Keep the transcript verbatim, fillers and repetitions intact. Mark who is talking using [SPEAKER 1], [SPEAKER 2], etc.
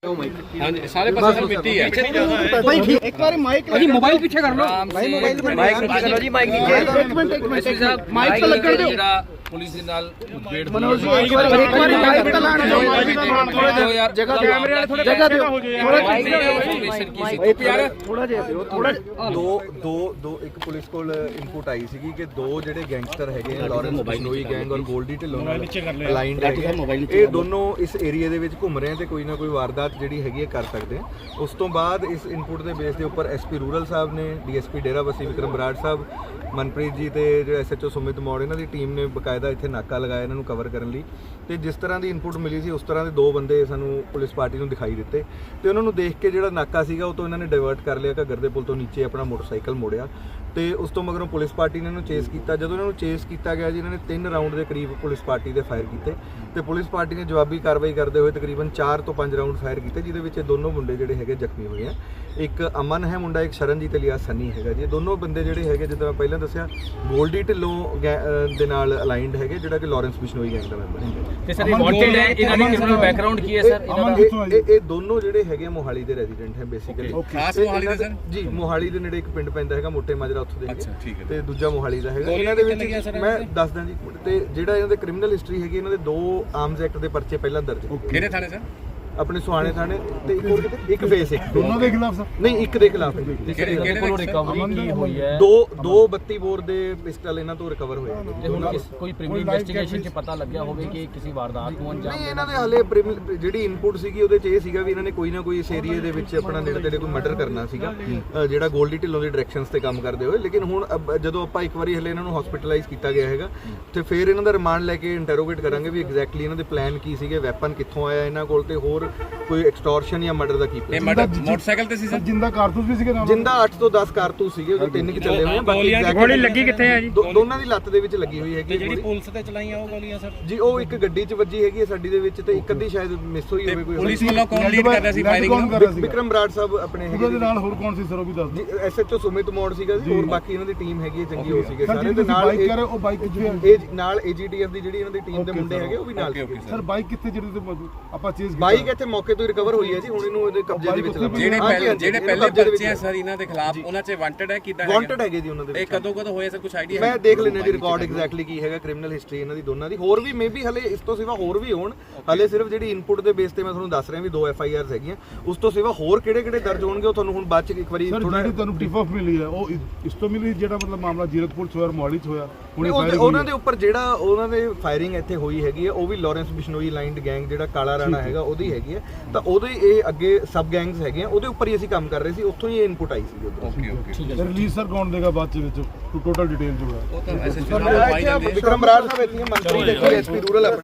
[SPEAKER 1] ਹਾਂਜੀ ਸਾਰੇ ਪਾਸੇ ਸਰ ਮਿੱਟੀ ਹੈ
[SPEAKER 2] ਭਾਈ ਠੀਕ ਇੱਕ ਵਾਰੀ ਮਾਈਕ
[SPEAKER 3] ਜੀ ਮੋਬਾਈਲ ਪਿੱਛੇ ਕਰ ਲਓ
[SPEAKER 2] ਭਾਈ ਮੋਬਾਈਲ
[SPEAKER 1] ਮਾਈਕ ਨੀਚੇ ਕਰੋ ਜੀ ਮਾਈਕ ਨੀਚੇ
[SPEAKER 2] ਇੱਕ ਮਿੰਟ ਇੱਕ ਮਿੰਟ ਮਾਈਕ ਤਾਂ ਲੱਗਣ ਦਿਓ
[SPEAKER 1] ਜਿਹੜਾ ਪੁਲਿਸ ਦੇ ਨਾਲ ਮੁਠਭੇੜ ਹੋਈ
[SPEAKER 2] ਮਨੋਜ ਜੀ ਇੱਕ ਵਾਰੀ ਇੱਕ ਵਾਰੀ ਮਾਈਕ ਤਾਂ ਲਾਣ ਦਿਓ
[SPEAKER 1] ਥੋੜਾ ਜਿਹਾ ਯਾਰ
[SPEAKER 2] ਜਗ੍ਹਾ ਕੈਮਰੇ ਵਾਲੇ ਥੋੜਾ ਜਗ੍ਹਾ ਦਿਓ ਥੋੜਾ
[SPEAKER 1] ਇਨਫੋਰਮੇਸ਼ਨ ਕੀ ਸੀ ਯਾਰ
[SPEAKER 2] ਥੋੜਾ ਜਿਹਾ ਦਿਓ ਥੋੜਾ
[SPEAKER 4] ਦੋ ਦੋ ਦੋ ਇੱਕ ਪੁਲਿਸ ਕੋਲ ਇਨਪੁਟ ਆਈ ਸੀਗੀ ਕਿ ਦੋ ਜਿਹੜੇ ਗੈਂਗਸਟਰ ਹੈਗੇ ਆ ਲਾਰੈਂਸ ਬਿਸ਼ਨੋਈ ਗੈਂਗ ਔਰ ਗੋਲਡੀ ਢਿੱਲੋਂ ਨਾਲ ਅਲਾਈਨਡ ਹੈਗੇ ਇਹ ਦੋਨੋਂ ਇਸ ਏਰੀਆ ਦੇ ਵਿੱਚ ਘੁੰਮ ਰਹੇ ਆ ਤੇ ਕੋਈ ਨਾ ਕੋਈ ਵਾਰਦਾਤ ਜਿਹੜੀ ਹੈਗੀ ਹੈ ਕਰ ਸਕਦੇ ਆ। ਉਸ ਤੋਂ ਬਾਅਦ ਇਸ ਇਨਪੁਟ ਦੇ ਬੇਸ ਦੇ ਉੱਪਰ ਐਸਪੀ ਰੂਰਲ ਸਾਹਿਬ ਨੇ ਡੀਐਸਪੀ ਡੇਰਾਬੱਸੀ ਵਿਕਰਮ ਬਰਾੜ ਸਾਹਿਬ ਮਨਪ੍ਰੀਤ ਜੀ ਤੇ ਜਿਹੜਾ ਐਸਐਚਓ ਸੁਮਿਤ ਮੌੜ ਇਹਨਾਂ ਦੀ ਟੀਮ ਨੇ ਬਕਾਇਦਾ ਇੱਥੇ ਨਾਕਾ ਲਗਾਇਆ ਇਹਨਾਂ ਨੂੰ ਕਵਰ ਕਰਨ ਲਈ ਤੇ ਜਿਸ ਤਰ੍ਹਾਂ ਦੀ ਇਨਪੁਟ ਮਿਲੀ ਸੀ ਉਸ ਤਰ੍ਹਾਂ ਦੇ ਦੋ ਬੰਦੇ ਸਾਨੂੰ ਪੁਲਿਸ ਪਾਰਟੀ ਨੂੰ ਦਿਖਾਈ ਦਿੱਤੇ ਤੇ ਉਹਨਾਂ ਨੂੰ ਦੇਖ ਕੇ ਜਿਹੜਾ ਨਾਕਾ ਸੀਗਾ ਉਹ ਤੋਂ ਇਹਨਾਂ ਨੇ ਡਾਇਵਰਟ ਕਰ ਲਿਆ ਘੱਗਰ ਦੇ ਪੁਲ ਤੋਂ ਨੀਚੇ ਆਪਣਾ ਮੋਟਰਸਾਈਕਲ ਮੋੜਿਆ ਤੇ ਉਸ ਤੋਂ ਮਗਰੋਂ ਪੁਲਿਸ ਪਾਰਟੀ ਨੇ ਇਹਨੂੰ ਚੇਸ ਕੀਤਾ। ਜਦੋਂ ਇਹਨਾਂ ਨੂੰ ਚੇਸ ਕੀਤਾ ਗਿਆ ਜੀ ਇਹਨਾਂ ਨੇ ਤਿੰਨ ਰਾਊਂਡ ਦੇ ਕਰੀਬ ਪੁਲਿਸ ਪਾਰਟੀ ਦੇ ਫਾਇਰ ਕੀਤੇ ਤੇ ਪੁਲਿਸ ਪਾਰਟੀ ਨੇ ਜਵਾਬੀ ਕਾਰਵਾਈ ਕਰਦੇ ਹੋਏ ਤਕਰੀਬਨ ਚਾਰ ਤੋਂ ਪੰਜ ਰਾਊਂਡ ਫਾਇਰ ਕੀਤੇ ਜਿਹਦੇ ਵਿੱਚ ਇਹ ਦੋਨੋਂ ਮੁੰਡੇ ਜਿਹੜੇ ਹੈਗੇ ਜ਼ਖਮੀ ਹੋਏ ਆ। ਇੱਕ ਅਮਨ ਹੈ ਮੁੰਡਾ, ਇੱਕ ਸ਼ਰਨਜੀਤ ਅਲੀਆ ਸੰਨੀ ਹੈਗਾ ਜੀ। ਦੋਨੋਂ ਬੰਦੇ ਜਿਹੜੇ ਹੈਗੇ ਜਿੱਦਾਂ ਮੈਂ ਪਹਿਲਾਂ ਦੱਸਿਆ ਗੋਲਡੀ ਢਿੱਲੋਂ ਦੇ ਨਾਲ ਅਲਾਈਨਡ ਹੈਗੇ ਜਿਹੜਾ ਕਿ ਲਾਰੈਂਸ ਬਿਸ਼ਨੋਈ ਗੈਂਗ ਦਾ ਮੈਂਬਰ ਹੈ
[SPEAKER 1] ਤੇ ਸਰ ਇਹ ਵਾਂਟਡ ਹੈ ਇਹਨਾਂ ਦੀ ਕ੍ਰਿਮੀਨਲ ਬੈਕਗ੍ਰਾਉਂਡ ਕੀ ਹੈ ਸਰ ਇਹਨਾਂ ਦਾ?
[SPEAKER 4] ਇਹ ਇਹ ਦੋਨੋਂ ਜਿਹੜੇ ਹੈਗੇ ਮੋਹਾਲੀ ਦੇ ਰੈਜ਼ੀਡੈਂਟ ਹੈ ਬੇਸਿਕਲੀ।
[SPEAKER 1] ਖਾਸ ਮੋਹਾਲੀ ਦੇ ਸਰ
[SPEAKER 4] ਜੀ ਮੋਹਾਲੀ ਦੇ ਨੇੜੇ ਇੱਕ ਪਿੰਡ ਪੈਂਦਾ ਹੈਗਾ ਮੋਟੇ ਮਾਜਰਾ ਉੱਥੋਂ ਦੇ
[SPEAKER 1] ਅੱਛਾ ਠੀਕ ਹੈ
[SPEAKER 4] ਤੇ ਦੂਜਾ ਮੋਹਾਲੀ ਦਾ ਹੈਗਾ। ਇਹਨਾਂ ਦੇ ਵਿੱਚ ਮੈਂ ਦੱਸਦਾ ਜੀ ਤੇ ਜਿਹੜਾ ਇਹਨਾਂ ਦੇ ਕ੍ਰਿਮੀਨਲ ਹਿਸਟਰੀ ਹੈਗੀ ਇਹਨਾਂ ਦੇ ਦੋ ਆਰਮਸ ਐਕਟ ਦੇ ਪਰਚੇ ਪਹਿਲਾਂ ਦਰਜ ਹੈ।
[SPEAKER 1] ਕਿਹੜੇ ਥਾਣੇ ਸਰ?
[SPEAKER 4] ਆਪਣੇ ਸੁਹਾਣੇ ਥਾਣੇ ਤੇ ਇੱਕ ਹੋਰ ਕਿਤੇ ਇੱਕ ਫੇਸ ਇੱਕ
[SPEAKER 2] ਦੋਨੋਂ ਦੇ ਖਿਲਾਫ ਸਰ
[SPEAKER 4] ਨਹੀਂ ਇੱਕ ਦੇ ਖਿਲਾਫ ਹੈ।
[SPEAKER 1] ਕਿਹੜੇ ਕੋਲੋਂ ਰਿਕਵਰੀ ਕੀ ਹੋਈ ਹੈ?
[SPEAKER 4] ਦੋ ਦੋ ਬੱਤੀ ਬੋਰ ਦੇ ਪਿਸਟਲ ਇਹਨਾਂ ਤੋਂ ਰਿਕਵਰ ਹੋਏ ਨੇ।
[SPEAKER 3] ਤੇ ਹੁਣ ਕਿਸ ਕੋਈ ਪ੍ਰੀਮੀਅਰ ਇਨਵੈਸਟੀਗੇਸ਼ਨ ਚ ਪਤਾ ਲੱਗਿਆ ਹੋਵੇ ਕਿ ਕਿਸੇ ਵਾਰਦਾਤ ਨੂੰ ਅੰਜਾਮ
[SPEAKER 4] ਨਹੀਂ ਇਹਨਾਂ ਦੇ ਹਾਲੇ ਪ੍ਰੀਮਿ- ਜਿਹੜੀ ਇਨਪੁਟ ਸੀਗੀ ਉਹਦੇ ਚ ਇਹ ਸੀਗਾ ਵੀ ਇਹਨਾਂ ਨੇ ਕੋਈ ਨਾ ਕੋਈ ਇਸ ਏਰੀਏ ਦੇ ਵਿੱਚ ਆਪਣਾ ਨੇੜੇ ਤੇੜੇ ਕੋਈ ਮਰਡਰ ਕਰਨਾ ਸੀਗਾ ਅ, ਜਿਹੜਾ ਗੋਲਡੀ ਢਿੱਲੋਂ ਦੀ ਡਾਇਰੈਕਸ਼ਨਸ ਤੇ ਕੰਮ ਕਰਦੇ ਹੋਏ। ਲੇਕਿਨ ਹੁਣ ਅਬ ਜਦੋਂ ਆਪਾਂ ਇੱਕ ਵਾਰੀ ਹਲੇ ਇਹਨਾਂ ਨੂੰ ਹਸਪੀਟਲਾਈਜ਼ ਕੀਤਾ ਗਿਆ ਹੈਗਾ ਤੇ ਫਿਰ ਇਹਨਾਂ ਦਾ ਰਿਮਾਂਡ ਲੈ ਕੇ ਇੰਟਰੋਗੇਟ ਕਰਾਂਗੇ ਵੀ ਐਗਜ਼ੈਕਟਲੀ ਇਹਨਾਂ ਦੇ ਪਲਾਨ ਕੀ ਸੀਗੇ, ਵੈਪਨ ਕਿੱਥੋਂ ਆਇਆ ਇਹਨਾਂ ਕੋਲ ਤੇ ਹੋਰ ਕੋਈ ਐਕਸਟੋਰਸ਼ਨ ਜਾਂ ਮਰਡਰ ਦਾ ਕੀ
[SPEAKER 1] ਇਹ
[SPEAKER 4] ਪਲਾਨ।
[SPEAKER 1] ਮਰਡਰ ਮੋਟਰਸਾਈਕਲ ਤੇ ਸੀ ਸਰ?
[SPEAKER 2] ਜਿੰਦਾ ਕਾਰਤੂਸ ਵੀ ਸੀਗੇ ਨਾਲ
[SPEAKER 4] ਜਿੰਦਾ ਅੱਠ ਤੋਂ ਦਸ ਕਾਰਤੂਸ ਸੀਗੇ ਉਹਦੇ ਤਿੰਨ ਕਿ ਚੱਲੇ ਹੋਏ ਆ। ਬਾਕੀ
[SPEAKER 3] ਗੋਲੀ ਲੱਗੀ ਕਿੱਥੇ ਹੈ ਜੀ?
[SPEAKER 4] ਦੋ- ਦੋਨਾਂ ਦੀ ਲੱਤ ਦੇ ਵਿੱਚ ਲੱਗੀ ਹੋਈ ਹੈਗੀ
[SPEAKER 3] ਜਿਹੜੀ
[SPEAKER 4] ਗੋਲੀ।
[SPEAKER 3] ਪੁਲਿਸ ਤੇ ਚਲਾਈਆਂ ਉਹ ਗੋਲੀਆਂ ਸਰ?
[SPEAKER 4] ਜੀ ਉਹ ਇੱਕ ਗੱਡੀ 'ਚ ਵੱਜੀ ਹੈਗੀ ਹੈ ਸਾਡੀ ਦੇ ਵਿੱਚ ਤੇ ਇੱਕ ਅੱਧੀ ਸ਼ਾਇਦ ਮਿਸ ਹੋਈ ਹੋਵੇ ਕੋਈ।
[SPEAKER 1] ਪੁਲਿਸ ਵੱਲੋਂ ਕੌਣ ਲੀਡ ਕਰ ਰਿਹਾ ਸੀ ਫਾਇਰਿੰਗ ਨੂੰ?
[SPEAKER 4] ਵਿਕਰਮ ਬਰਾੜ ਸਾਹਿਬ ਆਪਣੇ ਹੈਗੇ
[SPEAKER 2] ਉਹਦੇ ਨਾਲ ਹੋਰ ਕੌਣ ਸੀ ਸਰ ਉਹ ਵੀ ਦੱਸ ਦਿਓ।
[SPEAKER 4] ਜੀ ਐਸਐਚਓ ਸੁਮਿਤ ਮੋੜ ਸੀਗਾ ਜੀ ਹੋਰ ਬਾਕੀ ਇਹਨਾਂ ਦੀ ਟੀਮ ਹੈਗੀ ਹੈ ਚੰਗੀ ਹੋ ਸੀਗੇ ਸਾਰੇ ਤੇ ਨਾਲ
[SPEAKER 2] ਬਾਈਕ
[SPEAKER 4] ਇਹ-
[SPEAKER 2] ਕਰ ਉਹ ਬਾਈਕ ਕਿੱਥੇ ਹੈ
[SPEAKER 4] ਇਹ ਨਾਲ ਏਜੀਟੀਐਫ ਦੀ ਜਿਹੜੀ ਇਹਨਾਂ ਦੀ ਟੀਮ ਦੇ ਮੁੰਡੇ ਹੈਗੇ ਉਹ ਵੀ ਨਾਲ ਸੀਗੇ।
[SPEAKER 2] ਸਰ ਬਾਈਕ ਕਿੱਥੇ ਜਿਹੜੀ ਤੇ ਮੌਜੂਦ ਆਪਾਂ ਚੇਜ਼
[SPEAKER 4] ਬਾਈਕ ਇੱਥੇ ਮੌਕੇ ਤੋਂ ਹੀ ਰਿਕਵਰ ਹੋਈ ਹੈ ਜੀ ਹੁਣ ਇਹਨੂੰ ਇਹਦੇ ਕਬਜ਼ੇ ਦੇ ਵਿੱਚ ਲੱਭ
[SPEAKER 1] ਜਿਹੜੇ ਪਹਿਲੇ ਜਿਹੜੇ ਪਹਿਲੇ ਪਰਚੇ ਆ ਸਰ ਇਹਨਾਂ ਦੇ ਖਿਲਾਫ ਉਹਨਾਂ 'ਚ ਵਾਂਟਡ ਹੈ ਕਿਦਾਂ ਹੈ?
[SPEAKER 4] ਵਾਂਟਡ ਹੈਗੇ ਜੀ ਉਹਨਾਂ ਦੇ
[SPEAKER 1] ਇਹ ਕਦੋਂ ਕਦੋਂ ਹੋਇਆ ਸਰ ਕੁਝ ਆਈਡੀਆ?
[SPEAKER 4] ਮੈਂ ਦੇਖ ਲੈਣਾ ਜੀ ਰਿਕਾਰਡ ਐਗਜ਼ੈਕਟਲੀ ਕੀ ਹੈਗਾ ਕ੍ਰਿਮੀਨਲ ਹਿਸਟਰੀ ਇਹਨਾਂ ਦੀ ਦੋਨਾਂ ਦੀ। ਹੋਰ ਵੀ ਮੇਬੀ ਹਲੇ ਇਸ ਤੋਂ ਸਿਵਾ ਹੋਰ ਵੀ ਹੋਣ। ਹਲੇ ਸਿਰਫ ਜਿਹੜੀ ਇਨਪੁਟ ਦੇ ਬੇਸ ਤੇ ਮੈਂ ਤੁਹਾਨੂੰ ਦੱਸ ਰਿਹਾ ਵੀ ਦੋ ਐਫ ਆਈ ਆਰਸ ਹੈਗੀਆਂ। ਉਸ ਤੋਂ ਸਿਵਾ ਹੋਰ ਕਿਹੜੇ ਕਿਹੜੇ ਦਰਜ ਹੋਣਗੇ ਉਹ ਤੁਹਾਨੂੰ ਹੁਣ ਬਾਅਦ ਚ ਇੱਕ ਵਾਰੀ
[SPEAKER 2] ਸਰ
[SPEAKER 4] ਥੋੜਾ
[SPEAKER 2] ਜਿਹੜੀ ਤੁਹਾਨੂੰ ਟਿਪ ਆਫ ਮਿਲੀ ਹੈ ਉਹ ਇਸ ਤੋਂ ਮਿਲੀ ਜਿਹੜਾ ਮਤਲਬ ਮਾਮਲਾ ਜੀਰਕਪੁਰ ਚ ਹੋਇਆ ਮੋਹਾਲੀ ਚ ਹੋਇਆ ਹੁਣੇ ਫਾਇਰਿੰਗ
[SPEAKER 4] ਉਹਨਾਂ ਦੇ ਉੱਪਰ ਜਿਹੜਾ ਉਹਨਾਂ ਦੇ ਫਾਇਰਿੰਗ ਇੱਥੇ ਹੋਈ ਹੈਗੀ ਹੈ ਉਹ ਵੀ ਲਾਰੈਂਸ ਬਿਸ਼ਨੋਈ ਲਾਈਨਡ ਗੈਂਗ ਜਿਹੜਾ ਕਾਲਾ ਰਾਣਾ ਹੈਗਾ ਉਹਦੀ ਹੈਗੀ ਹੈ। ਤਾਂ ਉਹਦੇ ਇਹ ਅੱਗੇ ਸਬ ਗੈਂਗਸ ਹੈਗੇ ਆ ਉਹਦੇ ਉੱਪਰ ਹੀ ਅਸੀਂ ਕੰਮ ਕਰ ਰਹੇ ਸੀ ਉੱਥੋਂ ਹੀ ਇਹ ਇਨਪੁਟ ਆਈ ਸੀ।
[SPEAKER 1] ਓਕੇ ਓਕੇ
[SPEAKER 2] ਰਿਲੀਜ਼ ਸਰ ਕੌਣ ਦੇਗਾ ਬਾਅਦ ਚ ਵਿੱਚ ਟੋਟਲ ਡਿਟੇਲ ਜੋ ਹੈ
[SPEAKER 1] ਉਹ ਤਾਂ ਐਸਐਸਪੀ ਨਾਲ ਪਾਈ ਜਾਂਦੇ
[SPEAKER 4] ਵਿਕਰਮ ਬਰਾੜ ਸਾਹਿਬ ਇੱਥੇ ਮੰਤਰੀ ਦੇਖੋ ਐਸਪੀ ਰੂਰਲ